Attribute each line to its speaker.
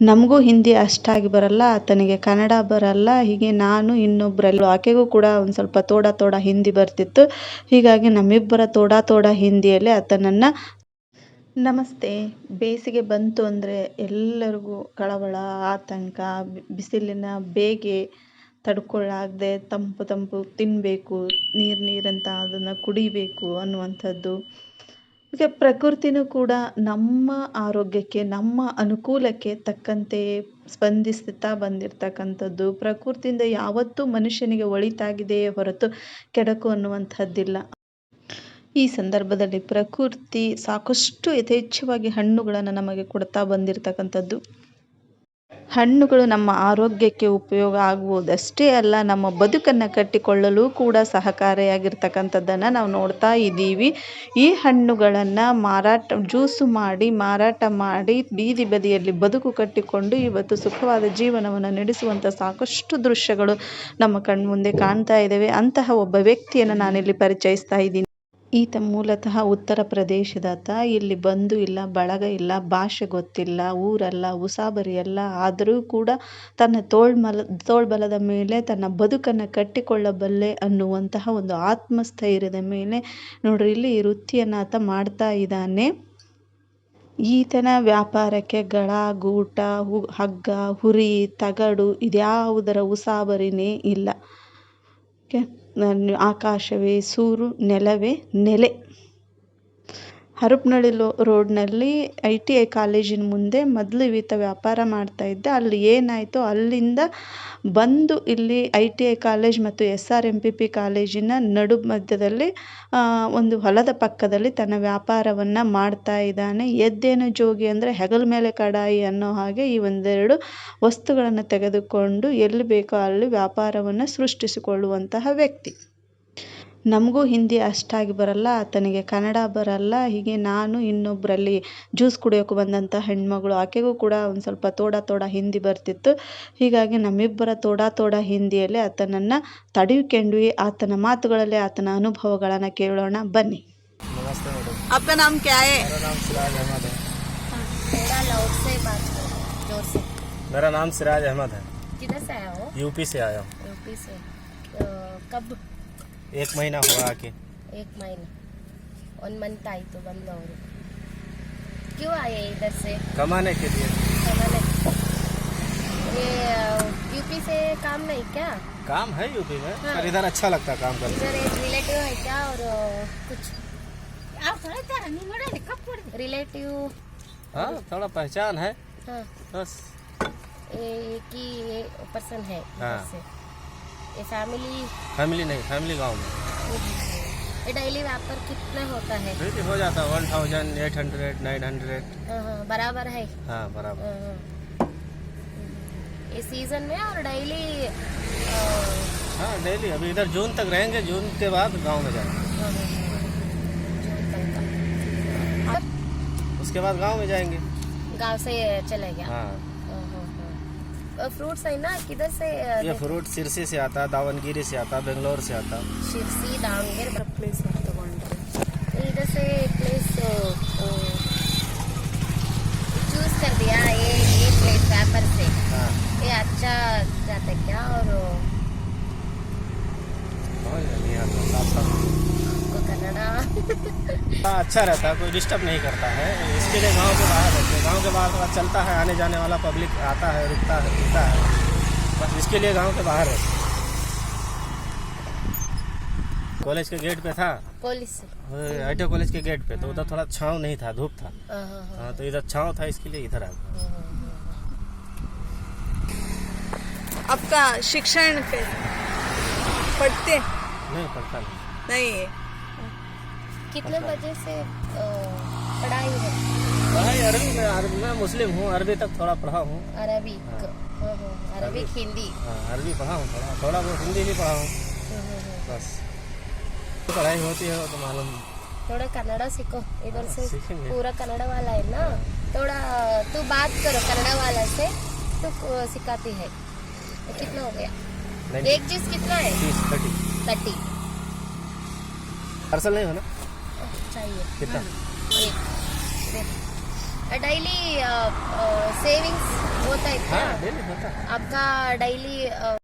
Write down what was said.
Speaker 1: ನಮಗೂ ಹಿಂದಿ ಅಷ್ಟಾಗಿ ಬರಲ್ಲ, ಆತನಿಗೆ ಕನ್ನಡ ಬರಲ್ಲ. ಹೀಗೆ ನಾನು ಇನ್ನೊಬ್ಬರಲ್ಲಿ ಆಕೆಗೂ ಕೂಡ ಒಂದು ಸ್ವಲ್ಪ ತೋಡ ಹಿಂದಿ ಬರ್ತಿತ್ತು. ಹೀಗಾಗಿ ನಮ್ಮಿಬ್ಬರ ತೋಡ ಹಿಂದಿಯಲ್ಲಿ ಆತನನ್ನು ನಮಸ್ತೆ. ಬೇಸಿಗೆ ಬಂತು ಅಂದರೆ ಎಲ್ಲರಿಗೂ ಕಳವಳ, ಆತಂಕ, ಬಿಸಿಲಿನ ಬೇಗೆ ತಡ್ಕೊಳ್ಳಾಗದೆ ತಂಪು ತಿನ್ನಬೇಕು, ನೀರಂತ ಅದನ್ನು ಕುಡಿಬೇಕು ಅನ್ನುವಂಥದ್ದು. ಈಗ ಪ್ರಕೃತಿನೂ ಕೂಡ ನಮ್ಮ ಆರೋಗ್ಯಕ್ಕೆ, ನಮ್ಮ ಅನುಕೂಲಕ್ಕೆ ತಕ್ಕಂತೆ ಸ್ಪಂದಿಸ್ತಾ ಬಂದಿರತಕ್ಕಂಥದ್ದು. ಪ್ರಕೃತಿಯಿಂದ ಯಾವತ್ತೂ ಮನುಷ್ಯನಿಗೆ ಒಳಿತಾಗಿದೆಯೇ ಹೊರತು ಕೆಡಕು ಅನ್ನುವಂಥದ್ದಿಲ್ಲ. ಈ ಸಂದರ್ಭದಲ್ಲಿ ಪ್ರಕೃತಿ ಸಾಕಷ್ಟು ಯಥೇಚ್ಛವಾಗಿ ಹಣ್ಣುಗಳನ್ನು ನಮಗೆ ಕೊಡ್ತಾ ಬಂದಿರತಕ್ಕಂಥದ್ದು. ಹಣ್ಣುಗಳು ನಮ್ಮ ಆರೋಗ್ಯಕ್ಕೆ ಉಪಯೋಗ ಆಗುವುದಷ್ಟೇ ಅಲ್ಲ, ನಮ್ಮ ಬದುಕನ್ನು ಕಟ್ಟಿಕೊಳ್ಳಲು ಕೂಡ ಸಹಕಾರಿಯಾಗಿರ್ತಕ್ಕಂಥದ್ದನ್ನು ನಾವು ನೋಡ್ತಾ ಇದ್ದೀವಿ. ಈ ಹಣ್ಣುಗಳನ್ನು ಜ್ಯೂಸು ಮಾಡಿ ಮಾರಾಟ ಮಾಡಿ ಬೀದಿ ಬದಿಯಲ್ಲಿ ಬದುಕು ಕಟ್ಟಿಕೊಂಡು ಇವತ್ತು ಸುಖವಾದ ಜೀವನವನ್ನು ನಡೆಸುವಂಥ ಸಾಕಷ್ಟು ದೃಶ್ಯಗಳು ನಮ್ಮ ಕಣ್ಮುಂದೆ ಕಾಣ್ತಾ ಇದ್ದೇವೆ. ಅಂತಹ ಒಬ್ಬ ವ್ಯಕ್ತಿಯನ್ನು ನಾನಿಲ್ಲಿ ಪರಿಚಯಿಸ್ತಾ ಇದ್ದೀನಿ. ಈತ ಮೂಲತಃ ಉತ್ತರ ಪ್ರದೇಶದಾತ. ಇಲ್ಲಿ ಬಂಧು ಇಲ್ಲ, ಬಳಗ ಇಲ್ಲ, ಭಾಷೆ ಗೊತ್ತಿಲ್ಲ, ಊರಲ್ಲ, ಉಸಾಬರಿಯಲ್ಲ. ಆದರೂ ಕೂಡ ತನ್ನ ತೋಳ್ಬಲದ ಮೇಲೆ ತನ್ನ ಬದುಕನ್ನು ಕಟ್ಟಿಕೊಳ್ಳಬಲ್ಲೆ ಅನ್ನುವಂತಹ ಒಂದು ಆತ್ಮಸ್ಥೈರ್ಯದ ಮೇಲೆ ನೋಡ್ರಿ ಇಲ್ಲಿ ಈ ವೃತ್ತಿಯನ್ನು ಆತ ಮಾಡ್ತಾ ಇದ್ದಾನೆ. ಈತನ ವ್ಯಾಪಾರಕ್ಕೆ ಗಳ, ಗೂಟ, ಹಗ್ಗ, ಹುರಿ, ತಗಡು ಇದ್ಯಾವುದರ ಉಸಾಬರಿನೇ ಇಲ್ಲ. ಆಕಾಶವೇ ಸೂರು, ನೆಲವೇ ನೆಲೆ. ಹರಪನಹಳ್ಳಿ ರೋಡ್ನಲ್ಲಿ ITI ಕಾಲೇಜಿನ ಮುಂದೆ ಮೊದಲು ಈತ ವ್ಯಾಪಾರ ಮಾಡ್ತಾ ಇದ್ದ. ಅಲ್ಲಿ ಏನಾಯಿತು, ಅಲ್ಲಿಂದ ಬಂದು ಇಲ್ಲಿ ITI ಕಾಲೇಜ್ ಮತ್ತು SRMPP ಕಾಲೇಜಿನ ನಡು ಮಧ್ಯದಲ್ಲಿ ಒಂದು ಹೊಲದ ಪಕ್ಕದಲ್ಲಿ ತನ್ನ ವ್ಯಾಪಾರವನ್ನು ಮಾಡ್ತಾ ಇದ್ದಾನೆ. ಎದ್ದೇನು ಜೋಗಿ ಅಂದರೆ ಹೆಗಲ ಮೇಲೆ ಕಡಾಯಿ ಅನ್ನೋ ಹಾಗೆ ಈ ಒಂದೆರಡು ವಸ್ತುಗಳನ್ನು ತೆಗೆದುಕೊಂಡು ಎಲ್ಲಿ ಬೇಕೋ ಅಲ್ಲಿ ವ್ಯಾಪಾರವನ್ನು ಸೃಷ್ಟಿಸಿಕೊಳ್ಳುವಂತಹ ವ್ಯಕ್ತಿ. ನಮಗೂ ಹಿಂದಿ ಅಷ್ಟಾಗಿ ಬರಲ್ಲ, ಆತನಿಗೆ ಕನ್ನಡ ಬರಲ್ಲ. ಹೀಗೆ ನಾನು ಇನ್ನೊಬ್ಬರಲ್ಲಿ ಜ್ಯೂಸ್ ಕುಡಿಯೋಕೆ ಬಂದಂಥ ಹೆಣ್ಮಗಳು, ಆಕೆಗೂ ಕೂಡ ಒಂದು ಸ್ವಲ್ಪ ತೋಡ ಹಿಂದಿ ಬರ್ತಿತ್ತು. ಹೀಗಾಗಿ ನಮ್ಮಿಬ್ಬರ ತೋಡ ಹಿಂದಿಯಲ್ಲಿ ಆತನನ್ನು ತಡೆಯುಕೊಂಡ್ವಿ. ಆತನ ಮಾತುಗಳಲ್ಲಿ ಆತನ ಅನುಭವಗಳನ್ನು ಕೇಳೋಣ ಬನ್ನಿ.
Speaker 2: नमस्ते मैडम।
Speaker 1: आपका नाम क्या है?
Speaker 2: मेरा नाम सिराज अहमद है।
Speaker 3: थोड़ा लाउड से बात करो, जोर से।
Speaker 2: मेरा नाम सिराज अहमद है।
Speaker 3: किधर से आया हो?
Speaker 2: यूपी से आया हूँ।
Speaker 3: यूपी से। कब?
Speaker 2: 1 महीना हुआ आके।
Speaker 3: 1 महीना 1 मंथ आई तो बंद हो रही। क्यों आए इधर से?
Speaker 2: कमाने के लिए।
Speaker 3: कमाने। ये यूपी से काम नहीं क्या?
Speaker 2: काम है यूपी में,
Speaker 3: हाँ।
Speaker 2: पर इधर अच्छा लगता है काम करने।
Speaker 3: इधर एक रिलेटिव है क्या और कुछ रिलेटिव?
Speaker 2: हाँ, थोड़ा पहचान है
Speaker 3: हाँ,
Speaker 2: बस।
Speaker 3: एक ही पर्सन है इधर
Speaker 2: हाँ।
Speaker 3: से। ये फैमिली?
Speaker 2: फैमिली नहीं, फैमिली गांव में।
Speaker 3: ये डेली व्यापार कितना होता है?
Speaker 2: फिर हो जाता है 1800 900।
Speaker 3: हाँ, बराबर है।
Speaker 2: हाँ बराबर।
Speaker 3: इस सीजन में और डेली?
Speaker 2: हाँ डेली। अभी इधर जून तक रहेंगे, जून के बाद गांव में जाएंगे। उसके बाद गांव में जाएंगे।
Speaker 3: गांव से चले गया?
Speaker 2: हाँ।
Speaker 3: फ्रूट्स है ना, किधर से?
Speaker 2: ये फ्रूट सिरसी से आता है, दावनगिरी से आता है, बेंगलोर से आता है।
Speaker 3: शिरसी, दावणಗೆರೆ प्लेस तಗೊಂಡ್ರೆ इधर से प्लेस चूज कर दिया। ये प्लेस व्यापार से।
Speaker 2: हाँ।
Speaker 3: ये अच्छा जाता है क्या? और
Speaker 2: नहीं आता साफ
Speaker 3: कन्नड़ा
Speaker 2: हाँ, अच्छा रहता है, कोई डिस्टर्ब नहीं करता है। इसके लिए गांव के बाहर रहते हैं। गांव के बाहर थोड़ा चलता है, आने जाने वाला पब्लिक आता है, रुकता है, पीता है, बस इसके लिए गांव के बाहर रहते हैं। कॉलेज के गेट पे था,
Speaker 3: पुलिस।
Speaker 2: ITI कॉलेज के गेट पे, तो उधर थोड़ा छांव नहीं था, धूप था। हाँ, तो इधर छांव था, इसके लिए इधर आ गया।
Speaker 1: आपका शिक्षण पढ़ते
Speaker 2: नहीं पढ़ता
Speaker 1: नहीं है?
Speaker 3: कितने बजे से पढ़ाई है?
Speaker 2: पढ़ाई अरबी मैं मुस्लिम हूँ, अरबी तक थोड़ा पढ़ा हूँ।
Speaker 3: अरबिक। अरबिक हिंदी।
Speaker 2: हाँ, अरबी पढ़ा हूँ, थोड़ा बहुत हिंदी भी पढ़ा हूँ, बस। पढ़ाई होती है तो मालूम।
Speaker 3: थोड़ा कन्नड़ा सीखो इधर से।
Speaker 2: सीखेंगे।
Speaker 3: पूरा कन्नड़ा वाला है ना, थोड़ा तू बात करो कन्नड़ा वाला से तो सिखाती है। कितना हो गया? एक चीज कितना है? 30।
Speaker 2: पार्सल नहीं हो ना?
Speaker 3: चाहिए
Speaker 2: कितना?
Speaker 3: एक डेली सेविंग्स वो है क्या?
Speaker 2: हाँ डेली होता है।
Speaker 3: आपका डेली